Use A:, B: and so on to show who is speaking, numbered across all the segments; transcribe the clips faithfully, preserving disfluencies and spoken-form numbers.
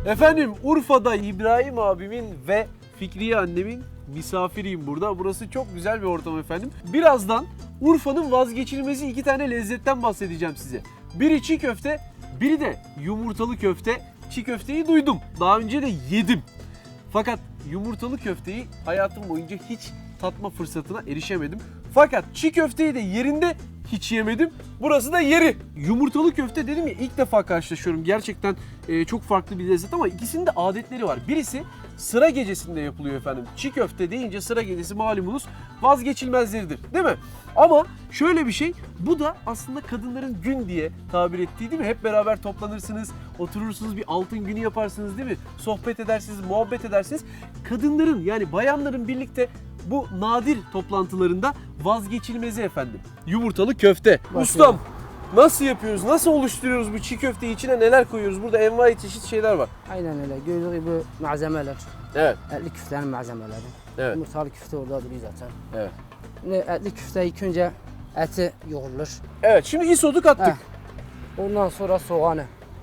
A: Efendim Urfa'da İbrahim abimin ve Fikriye annemin misafiriyim burada. Burası çok güzel bir ortam efendim. Birazdan Urfa'nın vazgeçilmezi iki tane lezzetten bahsedeceğim size. Biri çiğ köfte, biri de yumurtalı köfte. Çiğ köfteyi duydum. Daha önce de yedim. Fakat yumurtalı köfteyi hayatım boyunca hiç tatma fırsatına erişemedim. Fakat çiğ köfteyi de yerinde hiç yemedim. Burası da yeri. Yumurtalı köfte dedim ya, ilk defa karşılaşıyorum. Gerçekten e, çok farklı bir lezzet ama ikisinin de adetleri var. Birisi sıra gecesinde yapılıyor efendim. Çiğ köfte deyince sıra gecesi malumunuz vazgeçilmezleridir değil mi? Ama şöyle bir şey, bu da aslında kadınların gün diye tabir ettiği değil mi? Hep beraber toplanırsınız, oturursunuz, bir altın günü yaparsınız değil mi? Sohbet edersiniz, muhabbet edersiniz. Kadınların yani bayanların birlikte bu nadir toplantılarında vazgeçilmezi efendim. Yumurtalı köfte.
B: Bak
A: Ustam
B: ya.
A: nasıl yapıyoruz? Nasıl oluşturuyoruz bu çiğ köfteyi? İçine neler koyuyoruz? Burada envai çeşit şeyler var.
B: Aynen öyle. Gördüğünüz gibi malzemeler.
A: Evet.
B: Etli küftenin malzemeleri.
A: Evet.
B: Yumurtalı küfte orada duruyor zaten.
A: Evet.
B: Şimdi etli küfte ilk önce eti yoğrulur.
A: Evet. Şimdi isodu kattık.
B: Heh. Ondan sonra soğanı.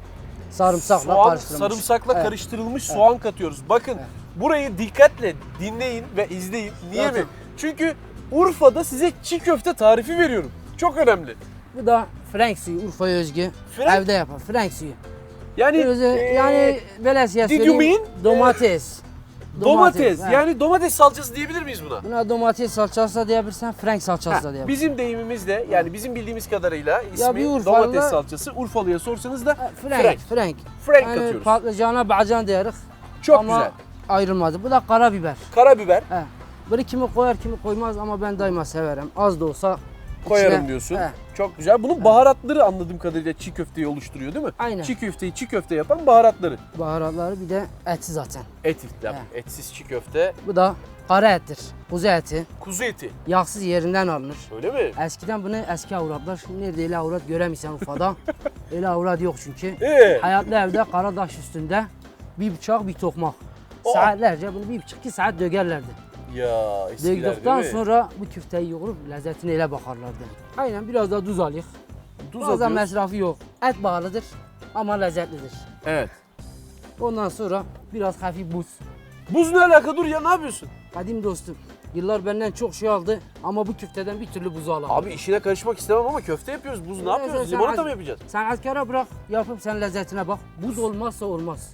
B: Sarımsakla
A: Soğan,
B: karıştırılmış.
A: sarımsakla
B: Evet.
A: karıştırılmış soğan katıyoruz. Bakın
B: Evet.
A: burayı dikkatle dinleyin ve izleyin. Niye
B: Zaten.
A: mi? Çünkü Urfa'da size çiğ köfte tarifi veriyorum. Çok önemli.
B: Bu da Frank suyu, Urfa'ya özgü.
A: Frank-
B: Evde yapar. Frank suyu.
A: Yani
B: Böyle,
A: eee,
B: yani böyle size
A: did you
B: söyleyeyim.
A: mean?
B: Domates.
A: domates.
B: he.
A: Yani domates salçası diyebilir miyiz buna?
B: Buna domates salçası da diyebilirsen, Frank salçası da
A: Ha,
B: diyebilirsin.
A: bizim deyimimizde yani bizim bildiğimiz kadarıyla ismi
B: bir Urfalı'da-
A: domates salçası. Urfalı'ya sorsanız da
B: Ha,
A: Frank.
B: Frank. Frank.
A: Frank
B: Yani
A: katıyoruz.
B: patlıcana bacan diyerek.
A: Çok
B: ama
A: güzel.
B: ayrılmadı. Bu da karabiber.
A: Karabiber
B: He. Bunu kimi koyar kimi koymaz ama ben daima severim. Az da olsa
A: koyarım
B: içine-
A: diyorsun.
B: He.
A: Çok güzel. Bunun baharatları anladığım kadarıyla çiğ köfteyi oluşturuyor değil mi?
B: Aynen.
A: Çiğ köfteyi çiğ köfte yapan baharatları.
B: Baharatları bir de eti zaten.
A: Et, yap,
B: He.
A: etsiz çiğ köfte,
B: Bu da kara ettir. Kuzu eti.
A: kuzu eti.
B: Yağsız yerinden alınır.
A: Öyle mi?
B: Eskiden bunu eski avratlar, şimdi nerede öyle avrat göremiysen Urfa'da. Öyle avrat yok çünkü.
A: Ee,
B: Hayatlı evde Karadaş üstünde bir bıçak bir tokmak.
A: Oh.
B: Saatlerce bunu bir buçuk iki saat dögerlerdi.
A: ya eskiler
B: Döktükten
A: değil mi?
B: sonra bu küfteyi yoğurup lezzetine ele bakarlardı. Aynen biraz da tuz alayım.
A: Tuz
B: Fazla
A: atıyoruz.
B: masrafı yok. Et bağlıdır ama lezzetlidir.
A: Evet.
B: Ondan sonra biraz hafif buz.
A: Buz ne alaka, dur ya, ne yapıyorsun?
B: Kadim dostum, yıllar benden çok şey aldı ama bu küfteden bir türlü buzu alamadım.
A: Abi işine karışmak istemem ama köfte yapıyoruz. Buz ne
B: Evet,
A: yapıyoruz?
B: sen-
A: Limonata
B: sen-
A: mı yapacağız?
B: Sanatkara bırak, yapıp sen lezzetine bak. Buz olmazsa olmaz.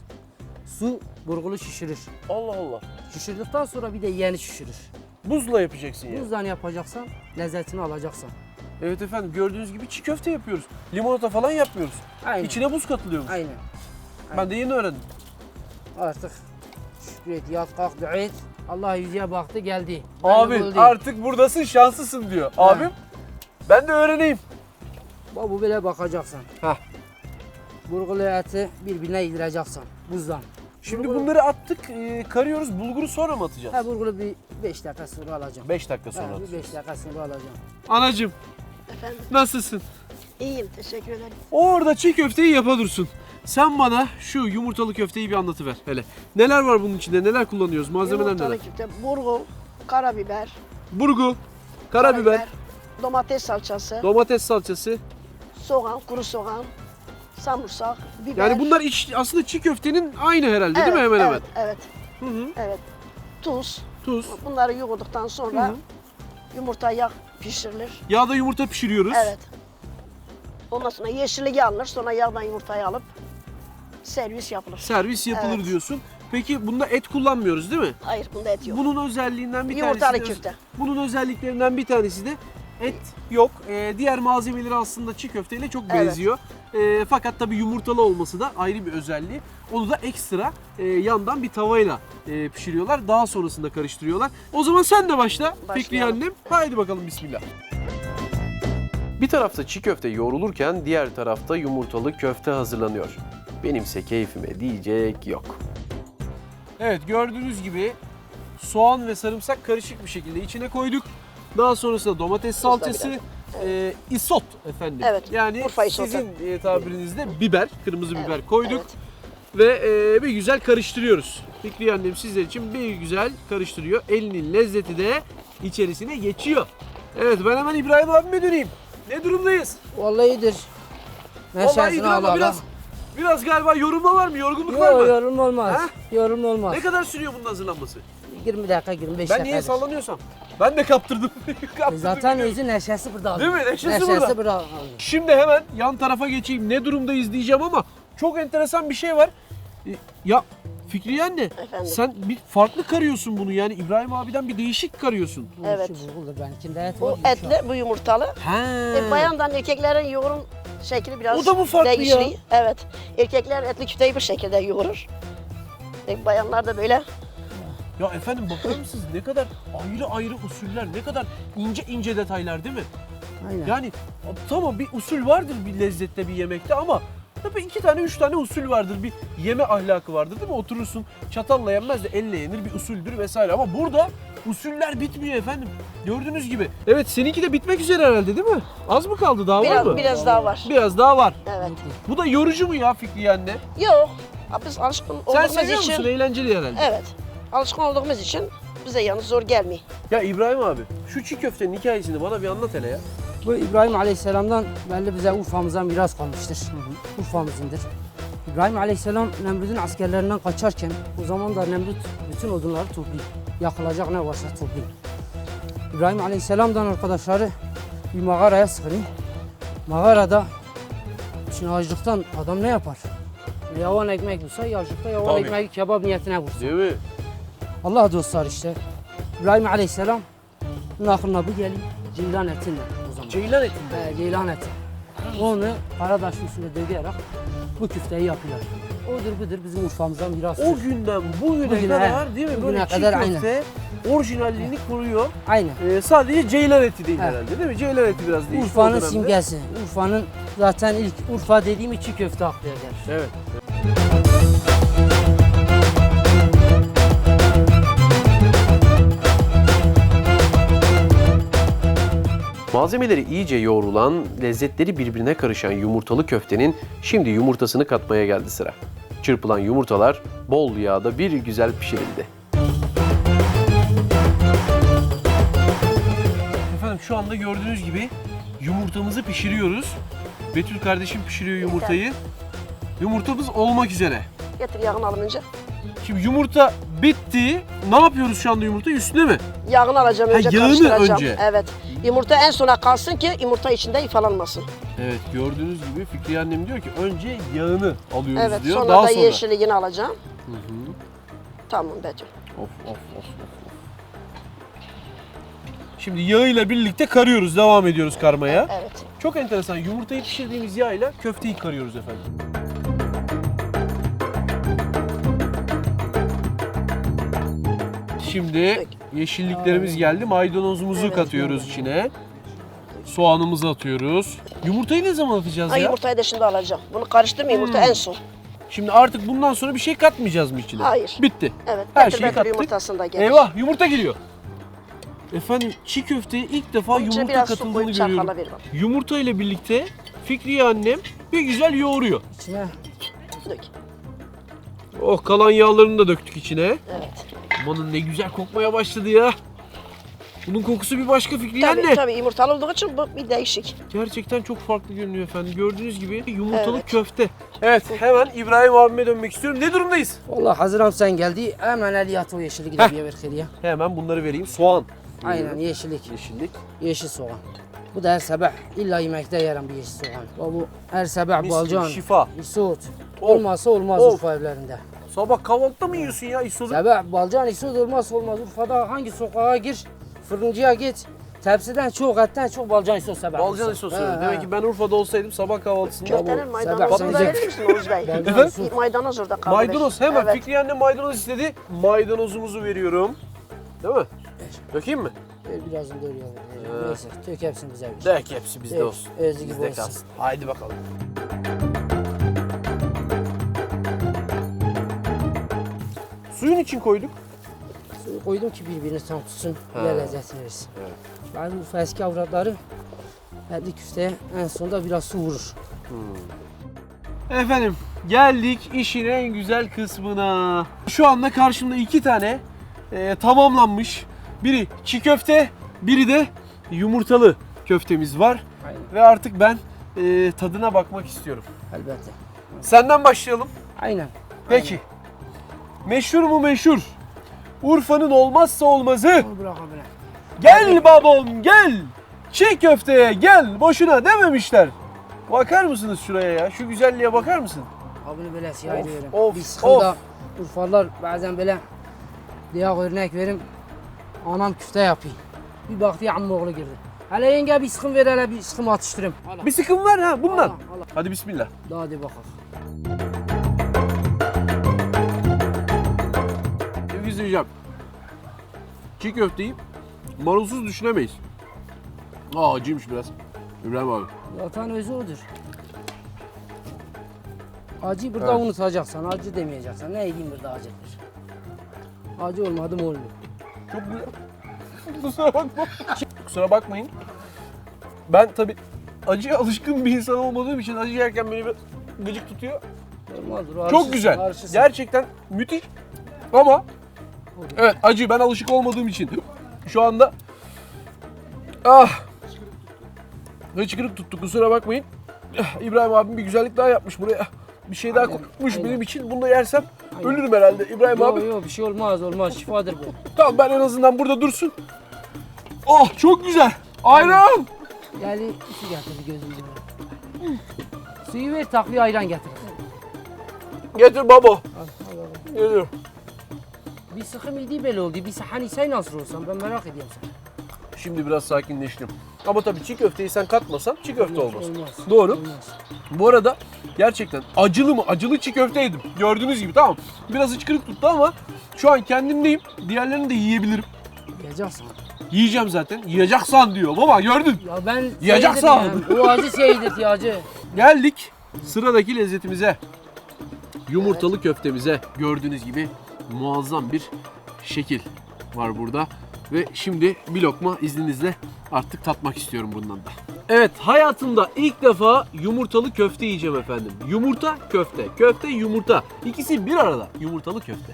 B: Su burgulu şişirir.
A: Allah Allah.
B: Şişirdikten sonra bir de yeni şişirir.
A: Buzla yapacaksın ya.
B: Buzdan yapacaksan lezzetini alacaksan.
A: Evet efendim, gördüğünüz gibi çiğ köfte yapıyoruz. Limonata falan yapmıyoruz.
B: Aynen.
A: İçine buz katılıyormuş.
B: Aynen.
A: Ben de yeni öğrendim.
B: Artık şükür et, yat kalk dua et. Allah yüzüye baktı geldi.
A: Abi
B: Ben de buradayım.
A: artık buradasın, şanslısın diyor. Abim ben de öğreneyim.
B: Bak bu böyle bakacaksın.
A: Hah.
B: Burgulu eti birbirine yedireceksin buzdan.
A: Şimdi
B: Bulgur-
A: bunları attık, e, karıyoruz. Bulguru sonra mı atacağız?
B: Ha burgulu bir beş dakika sonra alacağım.
A: beş dakika sonra
B: Ha, bir
A: atacağız.
B: beş dakika sonra alacağım.
A: Anacığım
C: Efendim,
A: nasılsın?
C: iyiyim, teşekkür ederim.
A: Orada çiğ köfteyi yapa dursun. Sen bana şu yumurtalı köfteyi bir anlatıver hele. Neler var bunun içinde? Neler kullanıyoruz? Malzemeler
C: Yumurtalı
A: neler?
C: köfte, burgu, karabiber,
A: Burgu, karabiber,
C: domates salçası,
A: domates salçası.
C: soğan, kuru soğan, samursak, biber.
A: Yani bunlar iç, aslında çiğ köftenin aynı herhalde
C: evet,
A: değil mi hemen hemen?
C: evet, Evet,
A: Hı hı.
C: evet. Tuz.
A: Tuz.
C: Bunları yoğurduktan sonra
A: Hı hı.
C: yumurta yağ pişirilir.
A: Yağda yumurta pişiriyoruz.
C: Evet. Ondan sonra yeşilliği alınır, sonra yağdan yumurtayı alıp servis yapılır.
A: Servis yapılır
C: Evet.
A: diyorsun. Peki bunda et kullanmıyoruz değil mi?
C: Hayır, bunda et yok.
A: Bunun özelliğinden bir
C: Yumurtalı
A: tanesi de,
C: köfte.
A: bunun özelliklerinden bir tanesi de et yok. Ee, diğer malzemeleri aslında çiğ köfteyle çok
C: Evet.
A: benziyor. Ee, fakat tabii yumurtalı olması da ayrı bir özelliği. Onu da ekstra e, yandan bir tavayla e, pişiriyorlar. Daha sonrasında karıştırıyorlar. O zaman sen de başla Fikriye
C: Başlayalım.
A: annem. Haydi bakalım bismillah. Bir tarafta çiğ köfte yoğrulurken diğer tarafta yumurtalı köfte hazırlanıyor. Benimse keyfime diyecek yok. Evet, gördüğünüz gibi soğan ve sarımsak karışık bir şekilde içine koyduk. Daha sonrasında domates salçası, e, isot efendim.
C: Evet,
A: Yani
C: Urfa isotu.
A: sizin e, tabirinizde biber, kırmızı
C: Evet,
A: biber koyduk.
C: evet.
A: Ve e, bir güzel karıştırıyoruz. Fikriye annem sizler için bir güzel karıştırıyor. Elinin lezzeti de içerisine geçiyor. Evet, ben hemen İbrahim abime döneyim. Ne durumdayız?
B: Vallahi iyidir.
A: Vallahi iyidir
B: Neşesini
A: ama
B: al
A: biraz, Biraz galiba yorulma var mı? Yorgunluk var mı?
B: Yok yorum olmaz.
A: Ha?
B: Yorum olmaz.
A: Ne kadar sürüyor bunun hazırlanması?
B: yirmi dakika yirmi beş
A: Ben
B: dakika.
A: niye sallanıyorsam? Ben de kaptırdım. kaptırdım
B: Zaten
A: gidiyorum.
B: özü neşesi burada.
A: Değil mi? Neşesi
B: neşesi
A: burada.
B: burada.
A: Şimdi hemen yan tarafa geçeyim. Ne durumdayız diyeceğim ama çok enteresan bir şey var. E, Ya Fikriye anne,
C: Efendim?
A: sen bir farklı karıyorsun bunu yani İbrahim abiden bir değişik karıyorsun.
C: Evet.
B: Şu bulgur benimkinde et
C: Bu
B: var. yumuşak.
C: etli, bu yumurtalı.
A: Ha.
C: E, bayandan erkeklerin yoğurun şekli biraz
A: O da mı farklı ya?
C: değişiyor. Evet. Erkekler etli küfteyi bu şekilde yoğurur. E, bayanlar da böyle.
A: Ya efendim bakar mısınız ne kadar ayrı ayrı usuller, ne kadar ince ince detaylar değil mi?
B: Aynen.
A: Yani tamam bir usul vardır bir lezzette bir yemekte ama tabii iki tane üç tane usul vardır. Bir yeme ahlakı vardır değil mi? Oturursun çatalla yenmez de elle yenir bir usuldür vesaire ama burada usuller bitmiyor efendim. Gördüğünüz gibi. Evet seninki de bitmek üzere herhalde değil mi? Az mı kaldı daha var
C: Biraz,
A: mı?
C: biraz daha var.
A: Biraz daha var.
C: Evet.
A: Bu da yorucu mu ya Fikriye anne?
C: Yok. Ha, Biz alışkın
A: Sen
C: olduğumuz
A: seviyor
C: için.
A: musun? Eğlenceli herhalde.
C: Evet. Alışkın olduğumuz için bize yalnız zor gelmiyor.
A: Ya İbrahim abi şu çiğ köftenin hikayesini bana bir anlat hele ya.
B: Bu İbrahim Aleyhisselam'dan belli bize Urfa'mızdan miras kalmıştır. Urfa'mızındır. İbrahim Aleyhisselam Nemrut'un askerlerinden kaçarken o zaman da Nemrut bütün odunları topluyor. Yakılacak ne varsa topluyor. İbrahim Aleyhisselam'dan arkadaşları bir mağaraya sığınıyor. Mağarada şimdi açlıktan adam ne yapar? Yavan ekmek bulsa açlıkta yavan
A: Tabii.
B: ekmeği kebap niyetine vursun.
A: Değil mi?
B: Allah dostlar işte. İbrahim Aleyhisselam aklına bu geliyor. Ceylan etinle o zaman.
A: Ceylan eti.
B: He, ceylan eti. Onu Karadaş usulü dövüyerek bu küfteyi yapıyorlar. Odur budur bizim Urfa'mızdan mirastır.
A: O günden bugüne
B: Bugüne,
A: kadar
B: he.
A: değil mi?
B: Bugüne
A: Böyle çiğ
B: kadar,
A: köfte orijinalliğini koruyor.
B: Aynen.
A: Ee, sadece ceylan eti değil
B: He.
A: herhalde değil mi? Ceylan eti biraz değişti o
B: Urfa'nın
A: dönemde.
B: simgesi. Urfa'nın zaten ilk Urfa dediğim çiğ köfte aklı eder.
A: Evet. Malzemeleri iyice yoğrulan, lezzetleri birbirine karışan yumurtalı köftenin şimdi yumurtasını katmaya geldi sıra. Çırpılan yumurtalar bol yağda bir güzel pişirildi. Efendim şu anda gördüğünüz gibi yumurtamızı pişiriyoruz. Betül kardeşim pişiriyor yumurtayı. Yumurtamız olmak üzere.
C: Getir yağını alınca.
A: Şimdi yumurta bitti. Ne yapıyoruz şu anda yumurta üstüne mi?
C: Yağını alacağım
A: Ha,
C: önce
A: yağını
C: karıştıracağım.
A: önce.
C: Evet. Yumurta en sona kalsın ki yumurta içinde ifalanmasın.
A: Evet gördüğünüz gibi Fikriye annem diyor ki önce yağını alıyoruz
C: Evet.
A: diyor.
C: Sonra
A: Daha
C: da
A: sonra.
C: yeşilliğini alacağım. Tamam Betül.
A: Of of of of. of. Şimdi yağıyla birlikte karıyoruz, devam ediyoruz karmaya.
C: Evet.
A: Çok enteresan. Yumurtayı pişirdiğimiz yağıyla köfteyi karıyoruz efendim. Şimdi yeşilliklerimiz geldi. Maydanozumuzu
C: Evet,
A: katıyoruz içine. Soğanımızı atıyoruz. Yumurtayı ne zaman atacağız
C: Ha,
A: ya?
C: yumurtayı da şimdi alacağım. Bunu karıştırma yumurta
A: Hmm.
C: en son.
A: Şimdi artık bundan sonra bir şey katmayacağız mı içine?
C: Hayır.
A: Bitti.
C: Evet.
A: Her
C: Getir
A: şeyi
C: Betül
A: kattık.
C: yumurtasını da getir.
A: Eyvah yumurta geliyor. Efendim çiğ köfteye ilk defa
C: Onun içine
A: yumurta
C: biraz su
A: katıldığını
C: koyup
A: görüyorum.
C: çarpala ver bak.
A: Yumurta ile birlikte Fikriye annem bir güzel yoğuruyor.
B: İçine
C: Dök.
A: Oh kalan yağlarını da döktük içine.
C: Evet.
A: Amanın ne güzel kokmaya başladı ya. Bunun kokusu bir başka Fikriye
C: Tabii
A: anne.
C: tabii yumurtalı olduğu için bu bir değişik.
A: Gerçekten çok farklı görünüyor efendim. Gördüğünüz gibi yumurtalı
C: Evet.
A: köfte. Evet hemen İbrahim abime dönmek istiyorum. Ne durumdayız?
B: vallahi hazıram sen geldi. Hemen eliyat o yeşillik
A: Heh.
B: de bir ver keliye.
A: Hemen bunları vereyim. Soğan.
B: Aynen yeşillik.
A: Yeşillik.
B: Yeşil soğan. Bu da her sabah illa yemekte yerim bir yeşil soğan. Bu her sabah
A: Mis
B: balcan,
A: gibi şifa.
B: isot.
A: Of.
B: Olmazsa olmaz
A: Of.
B: Urfa evlerinde.
A: Sabah kahvaltıda mı yiyorsun ya isodu?
B: Sabah balcan isot olmazsa olmaz. Urfa'da hangi sokağa gir, fırıncıya git. Tepsiden çok, etten çok balcan isot sabah.
A: Balcan isosu.
B: He, he.
A: Demek ki ben Urfa'da olsaydım sabah kahvaltısında
C: Köftenin
B: Sabah
C: maydanozunu da
B: sıcak.
C: verir misin Oğuz Bey?
B: Balcan
A: Efendim?
B: isot.
C: Maydanoz orada kaldı.
A: maydanoz hemen
C: Evet.
A: Fikriye annem maydanoz istedi. Maydanozumuzu veriyorum. Değil mi? Dökeyim mi?
B: Ver birazını da oraya ver. Neyse tök hepsini bize ver.
A: Dök hepsi bizde
B: Evet,
A: olsun.
B: özü gibi
A: Bizde
B: olsun.
A: kalsın. Haydi bakalım. Suyun için koyduk.
B: Suyu koydum ki birbirini tam tutsun.
A: Ha.
B: Bir lezzetini versin.
A: Evet.
B: Ben Urfa eski avratları etli küfteye en sonunda biraz su vurur.
A: Efendim geldik işin en güzel kısmına. Şu anda karşımda iki tane e, tamamlanmış. Biri çiğ köfte, biri de yumurtalı köftemiz var.
B: Aynen.
A: Ve artık ben e, tadına bakmak istiyorum.
B: Elbette.
A: Senden başlayalım.
B: Aynen.
A: Peki. Meşhur mu meşhur? Urfa'nın olmazsa olmazı.
B: Onu bırak abi.
A: Gel babam gel. Çiğ köfteye gel. Boşuna dememişler. Bakar mısınız şuraya ya? Şu güzelliğe bakar mısın?
B: Abini böyle siyah
A: Of,
B: ediyorum.
A: of,
B: Bir sıkımda
A: of.
B: Urfalılar bazen böyle diye örnek verim. Anam küfte yapıyor. Bir baktı ya amma oğlu girdi. Hele yenge bir sıkım ver hele bir sıkım atıştırayım. Hala.
A: Bir sıkım var ha bundan.
B: Allah, Allah.
A: Hadi bismillah.
B: Daha hadi bakalım.
A: Sevgili izleyeceğim. Çiğ köfteyi marulsuz düşünemeyiz. Aa acıymış biraz. İbrahim abi.
B: Zaten özü odur. Acıyı burada
A: Evet.
B: unutacaksan, acı demeyeceksen. Ne edeyim burada acıdır. Acı olmadı mı olmuyor.
A: Çok güzel. Kusura bakma. Kusura bakmayın. Ben tabi acıya alışkın bir insan olmadığım için acı yerken beni bir gıcık tutuyor.
B: Normaldir.
A: Çok
B: alışırsın,
A: güzel.
B: alışırsın.
A: Gerçekten müthiş. Ama evet acı ben alışık olmadığım için şu anda ah hıçkırık tuttu kusura bakmayın. İbrahim abim bir güzellik daha yapmış buraya. Bir şey daha
B: Aynen,
A: koymuş
B: aynen.
A: benim için. Bunu da yersem
B: Aynen.
A: ölürüm herhalde İbrahim abi.
B: Yok yok bir şey olmaz olmaz şifadır bu.
A: Tamam ben en azından burada dursun. Oh çok güzel. Ayran.
B: Yani su getir gözümün önüne. Suyu ver takviye ayran getir.
A: Getir baba.
B: Al, al, al.
A: Getir.
B: Bir sıkım ildiği belli oldu. Bir hani sen nasıl olsan ben merak ediyorum seni.
A: Şimdi biraz sakinleştim. Ama tabii çiğ köfteyi sen katmasan çiğ köfte olmaz.
B: Olmaz.
A: Doğru.
B: Olmaz.
A: Bu arada gerçekten acılı mı? Acılı çiğ köfte yedim. Gördüğünüz gibi tamam. Biraz hıçkırık tuttu ama şu an kendimdeyim. Diğerlerini de yiyebilirim.
B: Yiyeceksin.
A: Yiyeceğim zaten. Yiyeceksan diyor. Baba gördün.
B: Ya ben
A: Yiyeceksin.
B: seyredim yani. O acı seyredet ya acı.
A: Geldik sıradaki lezzetimize. Yumurtalı köftemize. Gördüğünüz gibi muazzam bir şekil var burada. Ve şimdi bir lokma izninizle artık tatmak istiyorum bundan da. Evet hayatımda ilk defa yumurtalı köfte yiyeceğim efendim. Yumurta köfte, köfte yumurta. İkisi bir arada yumurtalı köfte.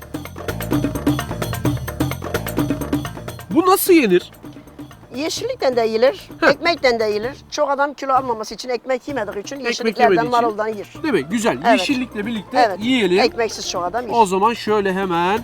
A: Bu nasıl yenir?
C: Yeşillikten de yiyilir,
A: Heh.
C: ekmekten de yiyilir. Çok adam kilo almaması için ekmek yemediği için yeşilliklerden,
A: yemediği için.
C: maruldan yer.
A: Değil mi? Güzel.
C: Evet.
A: Yeşillikle birlikte
C: Evet.
A: yiyelim.
C: Ekmeksiz çok adam yer.
A: O zaman şöyle hemen.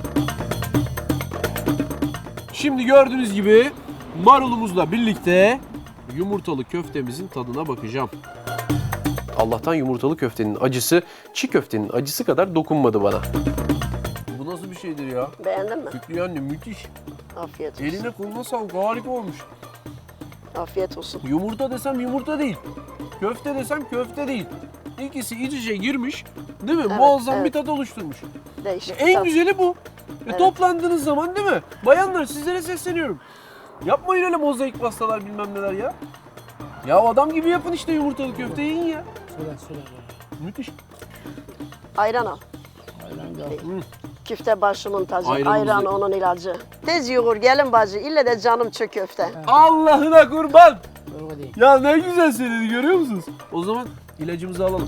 A: Şimdi gördüğünüz gibi marulumuzla birlikte yumurtalı köftemizin tadına bakacağım. Allah'tan yumurtalı köftenin acısı çiğ köftenin acısı kadar dokunmadı bana. Bu nasıl bir şeydir ya?
C: Beğendin mi?
A: Fikri anne müthiş.
C: Afiyet olsun.
A: Eline koluna sağlık harika olmuş.
C: Afiyet olsun.
A: Yumurta desem yumurta değil. Köfte desem köfte değil. İkisi iç içe girmiş değil mi?
C: Evet,
A: Muazzam
C: evet.
A: bir tat oluşturmuş.
C: Değişik.
A: En
C: tat.
A: güzeli bu. E,
C: Evet.
A: Toplandığınız zaman değil mi? Bayanlar sizlere sesleniyorum. Yapmayın öyle mozaik pastalar bilmem neler ya. Ya adam gibi yapın işte yumurtalı köfte yiyin ya.
B: Söyle söyle. söyle.
A: Müthiş.
C: Ayran al.
B: Aynen da.
C: Küfte başımın tacı,
A: Ayranımızı-
C: ayran onun ilacı. Tez yoğur gelin bacı, ille de canım çö köfte.
A: Allah'ına kurban.
B: Doğru değil.
A: Ya ne güzel söyledi görüyor musunuz? O zaman ilacımızı alalım.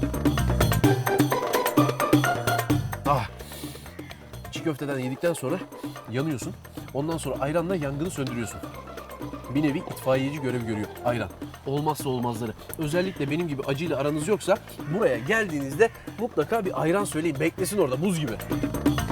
A: Ah. Çiğ köfteden yedikten sonra yanıyorsun. Ondan sonra ayranla yangını söndürüyorsun. Bir nevi itfaiyeci görevi görüyor ayran. Olmazsa olmazları. Özellikle benim gibi acıyla aranız yoksa buraya geldiğinizde mutlaka bir ayran söyleyin. Beklesin orada buz gibi.